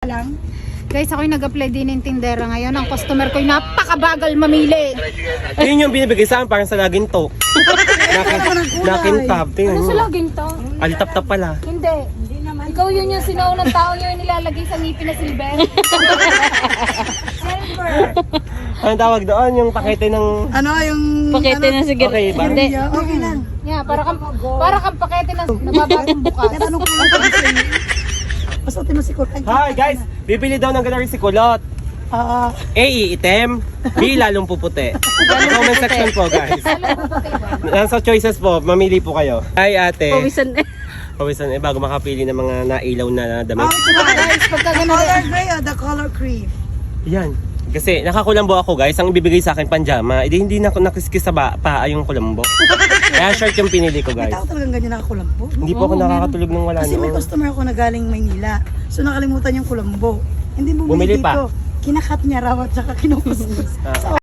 lang. Guys, ako'y nag-apply din ng tindera ngayon. Ang customer ko'y napakabagal mamili. Yun yung binibigay sa akin parang sa laging to. Nakintab. Tingnan Ano mo. sa laging to? Alitap-tap pala. Hindi. Hindi naman. Ikaw yun yung sinaunang tao yung nilalagay sa ngipin na silver. Silver. Anong tawag doon? Yung pakete ng... Ano yung... Pakete na sige. Okay ba? Hindi. Okay lang. Yeah, para kang pakete na nababagong bukas. Tanong ko lang kung sa'yo. Pasutin mo si Kulay. Hi guys! Bibili daw ng ganari si Kulot. A. Iitim. B. Lalong puputi. Comment section po guys. Nasa choices po. Mamili po kayo. Hi ate. Pawisan eh. Pawisan bago makapili ng mga nailaw na damit. Guys, pagka The ganun. color gray or the color cream? Yan. Kasi nakakulambo ako guys. Ang ibibigay sa akin panjama. Hindi na ako nakiskis sa paa yung kulambo. Kaya short yung pinili ko May guys. tao talagang ganyan nakakulambo. Hindi po ako nakakatulog ng wala Kasi may noon. customer ako na galing Maynila. So nakalimutan yung kulambo. Hindi bumili Bumili dito. pa. Kinakat niya raw at saka kinukuskus. Ah. So,